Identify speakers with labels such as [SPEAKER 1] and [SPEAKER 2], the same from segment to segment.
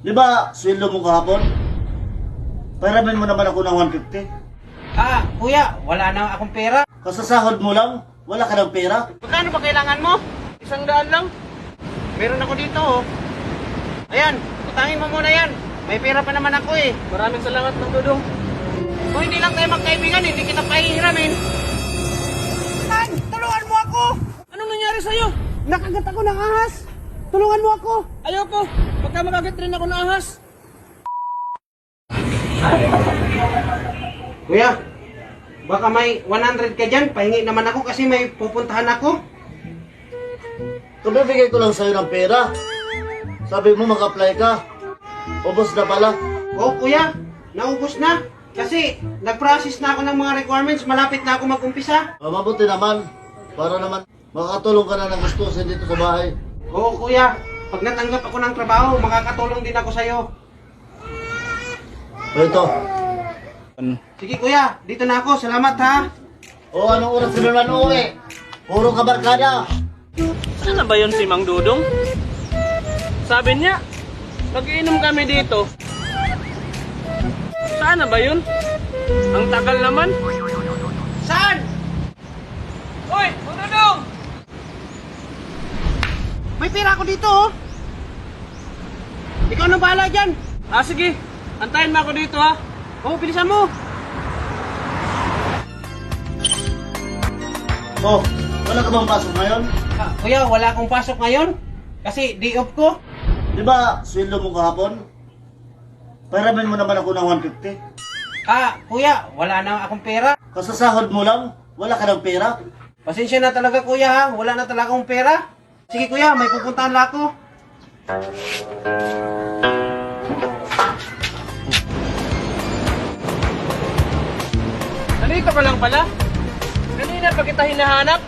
[SPEAKER 1] Di ba, sweldo mo kahapon? Pahiramin mo naman ako ng 150.
[SPEAKER 2] Kuya, wala na akong pera.
[SPEAKER 1] Kasasahod mo lang, wala ka ng pera.
[SPEAKER 2] Magkano ba kailangan mo? 100 lang. Meron ako dito, oh. Ayan, utangin mo muna yan. May pera pa naman ako eh. Maraming salamat, Mang Dudong. Kung hindi lang tayo magkaibigan, hindi kita pahihiramin. Tan, tulungan mo ako! Anong nangyari sa'yo? Nakagat ako ng ahas. Tulungan mo ako. Ayoko. Pagka makagat rin ako ng ahas. Kuya, baka may 100 ka dyan. Pahingi naman ako kasi may pupuntahan ako.
[SPEAKER 1] Kabibigay ko lang sa'yo ng pera. Sabi mo mag-apply ka. Ubos na pala.
[SPEAKER 2] Oo, kuya. Naubos na. Kasi nag-process na ako ng mga requirements. Malapit na ako mag-umpisa.
[SPEAKER 1] Mabuti naman. Para naman makakatulong ka na ng gustusin dito sa bahay.
[SPEAKER 2] Oo, kuya. Pag natanggap ako ng trabaho, makakatulong din ako sa'yo.
[SPEAKER 1] Ito.
[SPEAKER 2] Sige, kuya. Dito na ako. Salamat, ha.
[SPEAKER 1] O anong oras ka naman uuwi? Puro kabarkada.
[SPEAKER 3] Sana ba yun si Mang Dudong? Sabi niya, mag-iinom kami dito. Sana ba yun? Ang tagal naman.
[SPEAKER 2] Saan? Hoy, Mang Dudong! May pera ako dito, oh. Ikaw nang bahala dyan.
[SPEAKER 3] Sige, antayin mo ako dito ha.
[SPEAKER 2] Oo, bilisan mo.
[SPEAKER 1] Oh, wala ka bang pasok ngayon?
[SPEAKER 2] Kuya, wala akong pasok ngayon. Kasi day off ko.
[SPEAKER 1] Di ba, sweldo mo kahapon? Pahiramin mo naman ako ng 150.
[SPEAKER 2] Kuya, wala na akong pera.
[SPEAKER 1] Kasasahod mo lang, wala ka ng pera.
[SPEAKER 2] Pasensya na talaga, kuya, ha. Wala na talaga akong pera. Sige, kuya, may pupuntahan na ako.
[SPEAKER 3] Nandito ka lang pala? Kanina pa kita hinahanap.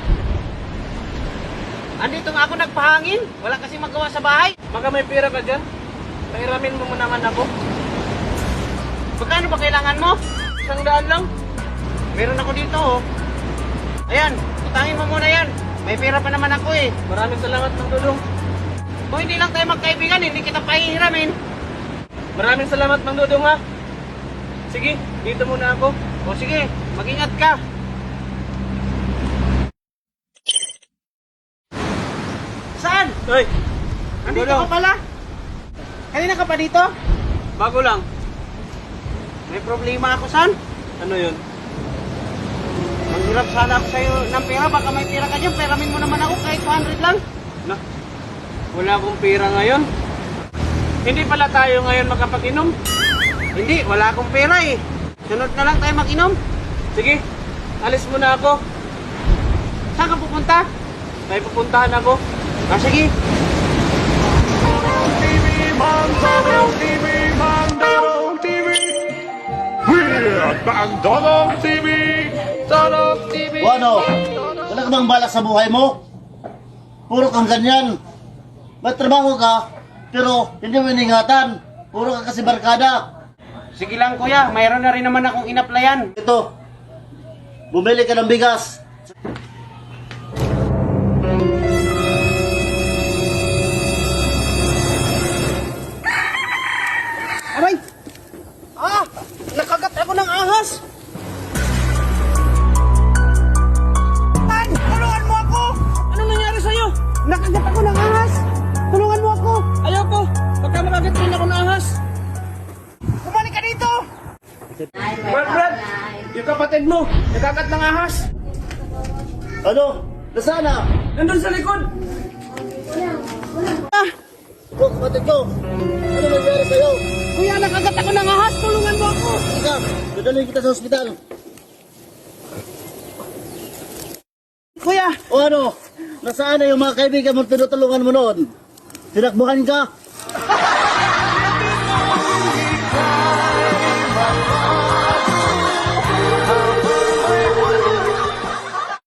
[SPEAKER 2] Andito nga ako nagpahangin. Wala kasi magawa sa bahay.
[SPEAKER 3] Baka may pera ka dyan. Pahiramin mo naman ako.
[SPEAKER 2] Magkano ba kailangan mo?
[SPEAKER 3] 100 lang.
[SPEAKER 2] Meron ako dito, oh. Ayan, utangin mo muna yan. May pera pa naman ako eh.
[SPEAKER 3] Maraming salamat, Mang Dudong.
[SPEAKER 2] Kung hindi lang tayo magkaibigan, hindi kita pahihiramin.
[SPEAKER 3] Maraming salamat, Mang Dudong ha. Sige, dito muna ako.
[SPEAKER 2] O sige, mag-ingat ka. Saan?
[SPEAKER 3] Hoy,
[SPEAKER 2] Andito
[SPEAKER 3] Dudong.
[SPEAKER 2] ka pala? Kanina ka pa dito?
[SPEAKER 3] Bago lang.
[SPEAKER 2] May problema ako, San.
[SPEAKER 3] Ano yun?
[SPEAKER 2] Manghirap sana ako sa'yo ng pera. Baka may pera ka dyan. Peramin mo naman ako kahit 200 lang.
[SPEAKER 3] Na, wala akong pera ngayon. Hindi pala tayo ngayon makapag-inom.
[SPEAKER 2] Hindi, wala akong pera eh. Sunod na lang tayo mag-inom.
[SPEAKER 3] Sige, alis muna ako.
[SPEAKER 2] Saan ka pupunta?
[SPEAKER 3] May pupuntahan ako.
[SPEAKER 2] Sige.
[SPEAKER 4] Mandodong TV! Dodong TV!
[SPEAKER 1] O ano, wala ka bang balak sa buhay mo? Puro kang ganyan. May trabaho ka, pero hindi mo iningatan. Puro ka kasi barkada.
[SPEAKER 2] Sige lang kuya, mayroon na rin naman akong inaplayan.
[SPEAKER 1] Ito, bumili ka ng bigas.
[SPEAKER 2] Aray! Nakagat ako ng ahas! Tan! Tulungan mo ako!
[SPEAKER 3] Anong nangyari sa'yo?
[SPEAKER 2] Nakagat ako ng ahas! Tulungan mo ako!
[SPEAKER 3] Ayoko. Baka makagat rin ako ng ahas.
[SPEAKER 2] Bumalik ka dito!
[SPEAKER 3] Brad, yung kapatid mo, nakagat ng ahas.
[SPEAKER 1] Ano? Nasaan na?
[SPEAKER 3] Nandun sa likod.
[SPEAKER 1] O, kapatid ko, ano nangyari sa'yo?
[SPEAKER 2] Kuya, nakagat ako ng ahas! Tulungan mo ako!
[SPEAKER 1] Ika, dadalhin kita sa ospital.
[SPEAKER 2] Kuya!
[SPEAKER 1] O ano? Nasaan na yung mga kaibigan mo tinutulungan mo noon? Tinakbuhan ka?